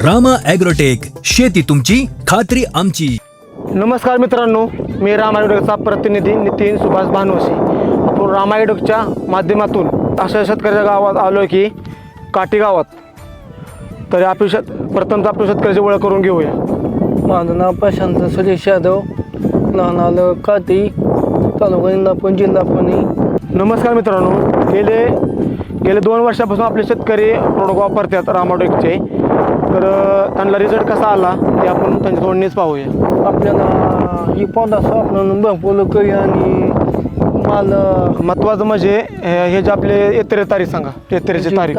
Rama agrotech, शेती तुमची खात्री आमची. नमस्कार मित्रांनो, मी रामा ॲग्रोटेकचा प्रतिनिधी नितीन सुभाष भानवशी. आपण रामा ॲग्रोटेकच्या माध्यमातून अशा शेतकऱ्याच्या गावात आलो आहे की काटी गावात. तर प्रथमतः आपल्या शेतकऱ्याची ओळख करून घेऊया. माझं नाव प्रशांत सुरेश यादव, लहान आलं काटी, तालुका इंदापूर, जिल्हा पुणे. नमस्कार मित्रांनो, गेले 2 वर्षापासून आपले शेतकरी प्रोडक्ट वापरतात रामा ॲग्रोटेकचे. तर त्यांना रिझल्ट कसा आला ते आपण त्यांच्या तोंडणीच पाहूया. आपल्याला ही पौधा वापरून भरपूर करी आणि माल महत्त्वाचं म्हणजे हे जे आपले येत्तेरे तारीख सांगा, येत्तेरेची तारीख.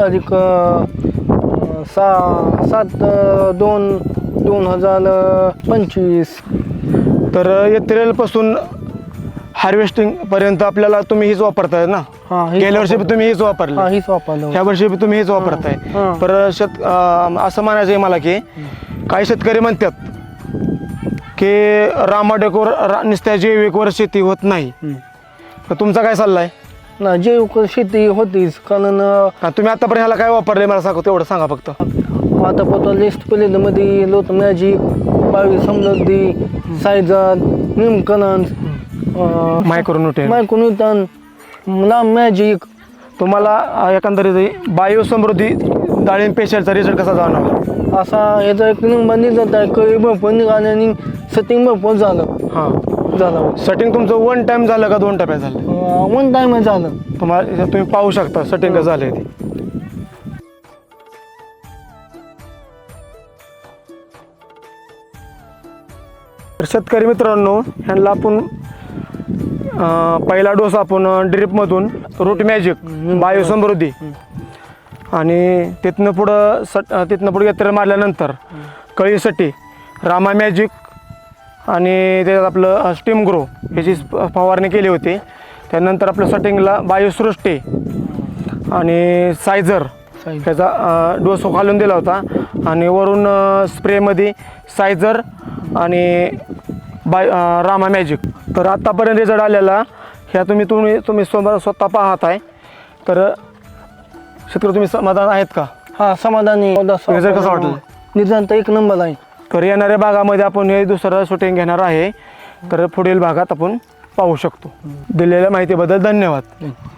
7/2/2025. तर येत्तेरेपासून हार्वेस्टिंगपर्यंत आपल्याला तुम्ही हीच वापरताय ना? गेल्या वर्षी तुम्ही हीच वापरली, हीच वापरलं, ह्या वर्षी तुम्ही हीच वापरताय. तर असं म्हणायचं आहे मला की काही शेतकरी म्हणतात की रामा ॲग्रोटेकवर नुसत्या जैविकवर शेती होत नाही. तर तुमचा काय सल्ला आहे? ना जैविक शेती होतीच, कारण तुम्ही आतापर्यंत ह्याला काय वापरले मला सांगा, तेवढं सांगा फक्त. आता पता लिस्ट मध्ये लोट मॅजिक, 22 समृद्धी, सायझर, निमकरण, मायक्रोन्यूटन, लांब मॅजिक. तुम्हाला एकंदरीत बायो समृद्धी डाळिंब पेशलचा रिझल्ट कसा जाणवला? असा याचा एक नंबर निघत आहे, कळी भरपूर निघाली आणि सेटिंग भरपूर झालं. झालं सेटिंग तुमचं 1 टाइम झालं का 2 टप्प्यात झालं? 1 टाइम झालं. तुम्ही पाहू शकता सेटिंग कसं झालंय ते. तर शेतकरी मित्रांनो, ह्यांना आपण पहिला डोस आपण ड्रिपमधून रूट मॅजिक, बायो समृद्धी आणि तिथनं पुढं येत्तेरे मारल्यानंतर कळीसाठी रामा मॅजिक आणि त्याच्यात आपलं स्टीम ग्रो ह्याची फवारणी केली होती. त्यानंतर आपलं सेटिंगला बायोसृष्टी आणि सायझर ह्याचा डोस घालून दिला होता आणि वरून स्प्रेमध्ये सायझर आणि रामा मॅजिक. तर आत्तापर्यंत रिझल्ट आलेला ह्या तुम्ही स्वतः पाहत आहे. तर शेतकरी तुम्ही समाधान आहेत का? समाधानी. रिझल्ट कसा वाटला? निदान 1 नंबर आहे. तर येणाऱ्या भागामध्ये आपण हे दुसरं शूटिंग घेणार आहे. तर पुढील भागात आपण पाहू शकतो. दिलेल्या माहितीबद्दल धन्यवाद.